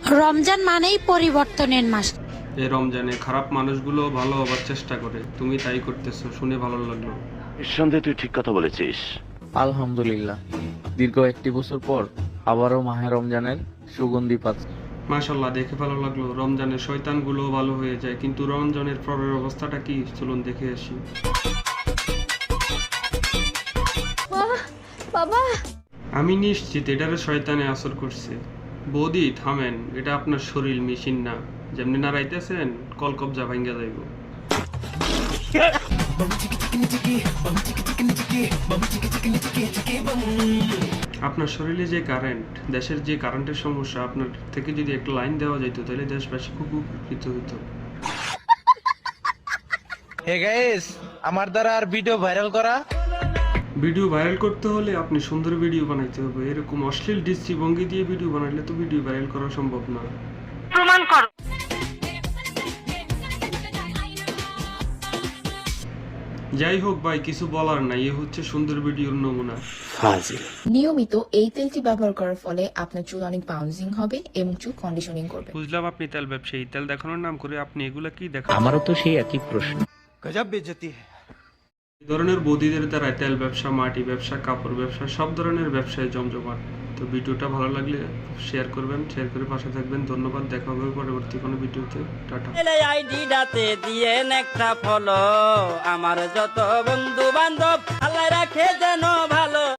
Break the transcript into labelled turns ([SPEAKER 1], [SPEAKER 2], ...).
[SPEAKER 1] রমজান মানেই পরিবর্তনের মাস।
[SPEAKER 2] এই রমজানে খারাপ মানুষগুলো ভালো হবার চেষ্টা করে, তুমি তাই করতেছো, শুনে ভালো লাগলো।
[SPEAKER 3] নিঃসন্দেহে তুই ঠিক কথা বলেছিস।
[SPEAKER 4] আলহামদুলিল্লাহ, দীর্ঘ একটি বছর পর আবারও মাহে রমজানের সুগন্ধি পাচ্ছি।
[SPEAKER 2] মাশাল্লাহ, দেখে ভালো লাগলো। রমজানের শয়তানগুলো ভালো হয়ে যায়, কিন্তু রমজানের পরের অবস্থাটা কি, চলুন দেখে আসি।
[SPEAKER 5] বাবা,
[SPEAKER 2] আমি নিশ্চিত এটারে শয়তানে আসর করছে। বৌদি থামেন, এটা আপনার শরীর, মেশিন না। যেমনি নাড়াইতেছেন কলকবজা ভাঙ্গা যাইব। আপনার শরীরে যে কারেন্ট, দেশের যে কারেন্টের সমস্যা, আপনার থেকে যদি একটা লাইন দেওয়া যেত তাহলে দেশবাসী খুব উপকৃত হইতো।
[SPEAKER 6] হে গাইস, আমার দ্বারা আর ভিডিও ভাইরাল করা।
[SPEAKER 2] ভিডিও ভাইরাল করতে হলে আপনি সুন্দর ভিডিও বানাইতে হবে। এরকম অশ্লীল দৃষ্টিভঙ্গি দিয়ে ভিডিও বানাইলে তো ভিডিও ভাইরাল করা সম্ভব না।
[SPEAKER 1] প্রমাণ করো।
[SPEAKER 2] যাই হোক ভাই, কিছু বলার নাই, এ হচ্ছে সুন্দর ভিডিওর নমুনা।
[SPEAKER 5] নিয়মিত এই তেলটি ব্যবহার করার ফলে আপনার চুল অনেক বাউন্সিং হবে এবং চুল কন্ডিশনিং করবে।
[SPEAKER 2] বুঝলাম আপনি তেল ব্যবসায়ী, তেল দেখানোর নাম করে আপনি এগুলা কি দেখান?
[SPEAKER 4] আমারও তো সেই একই প্রশ্ন।
[SPEAKER 2] এই ধরনের বৌদিদের দ্বারা তেল ব্যবসা, মাটি ব্যবসা, কাপড় ব্যবসা, সব ধরনের ব্যবসায় জমজমাট। তো ভিডিওটা ভালো লাগলে শেয়ার করবেন, শেয়ার করে পাশে থাকবেন। ধন্যবাদ, দেখা হবে পরবর্তী কোনো ভিডিওতে। টাটা।
[SPEAKER 7] আইডিটাতে দিয়েন একটা ফলো, আমার যত বন্ধু বান্ধব আল্লাহ রাখে যেন ভালো।